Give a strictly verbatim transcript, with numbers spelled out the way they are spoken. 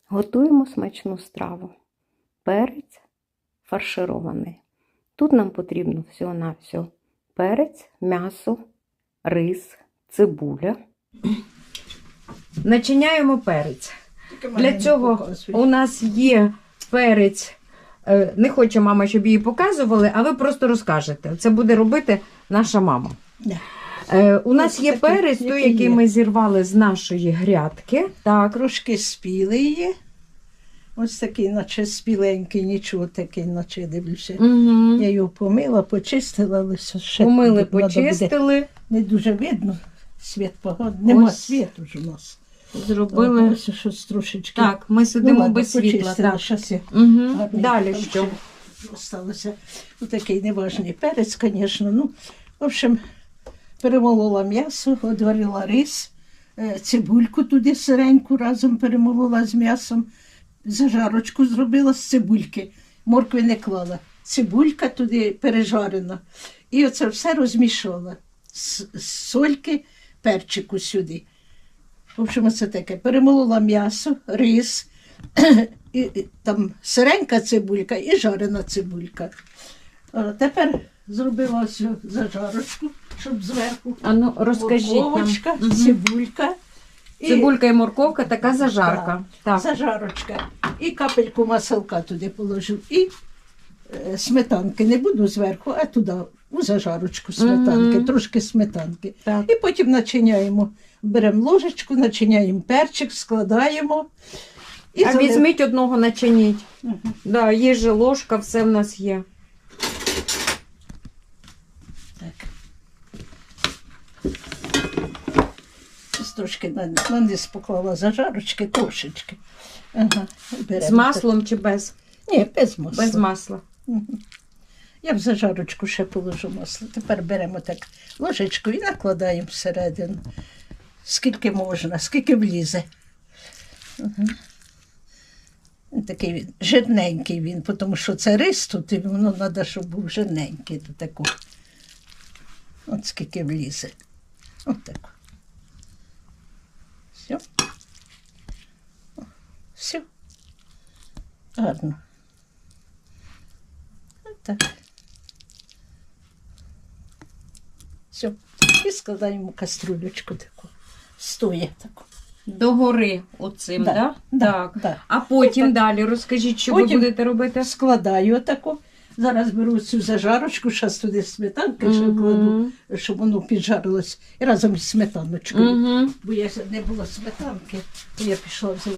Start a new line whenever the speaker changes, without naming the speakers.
Готуємо смачну страву. Перець фарширований. Тут нам потрібно всього-навсього перець, м'ясо, рис, цибуля. Начиняємо перець. Для цього у нас є перець. Не хоче мама, щоб її показували, а ви просто розкажете. Це буде робити наша мама.
Да.
Е, у нас є перець, той, який є. Ми зірвали з нашої грядки. Так.
Трошки спілий є. Ось такий, наче спіленький, нічого такий, наче дивлюся.
Угу.
Я його помила, почистила, але ще
помили, почистили.
Не дуже видно, світ поганий. Нема
Ось.
світу ж у нас.
Зробили.
О, ось щось трошечки.
Так, ми сидимо
ну, ладно,
без світла.
почистила,
Так.
щас я
Угу. Далі
там
що?
ще Осталося. Ось такий неважний перець, звісно. Ну, в общем, перемолола м'ясо, одварила рис, е, цибульку туди сиреньку разом перемолола з м'ясом, зажарочку зробила з цибульки, моркви не клала. Цибулька туди пережарена. І оце все розмішала. З, з сольки, перчику сюди. В общем, оце таке. Перемолола м'ясо, рис, і, і, там сиренька цибулька і жарена цибулька. А тепер зробила ось зажарочку, щоб зверху.
А ну, розкажіть
Морковочка,
нам. Угу.
цибулька. І,
Цибулька і морковка, така зажарка. Так.
зажарочка. І капельку маселка туди положив. І е, сметанки. Не буду зверху, а туди, у зажарочку сметанки,
Мгм.
трошки сметанки.
Так.
І потім начиняємо. Беремо ложечку, начиняємо перчик, складаємо. І
А
залив-
візьміть одного, начиніть.
Мгм.
Да, є же ложка, все в нас є.
Так. Ось трошки на, на низ поклала зажарочки, трошечки. Ага, беремо
З маслом чи без?
так. Ні, без масла.
Без масла.
Мгм. Я в зажарочку ще положу масло. Тепер беремо так ложечку і накладаємо всередину. Скільки можна, скільки влізе. Угу. Такий він, жирненький він, тому що це рис тут, і воно треба, щоб був жирненький до такого. От скільки влізе. От так. Все. Все. Гарно. От так. Все. І складаємо каструлечку таку. Стоє таку.
Догори оцим,
Да,
да?
да,
Так.
да.
А потім
Так.
далі розкажіть, що
Потім-
ви будете робити?
Складаю отаку. Зараз беру цю зажарочку, зараз туди сметанки ще
Мгм.
кладу, щоб воно піджарилось. І разом із сметаночкою.
Угу.
Бо я не було сметанки, то я пішла взяла.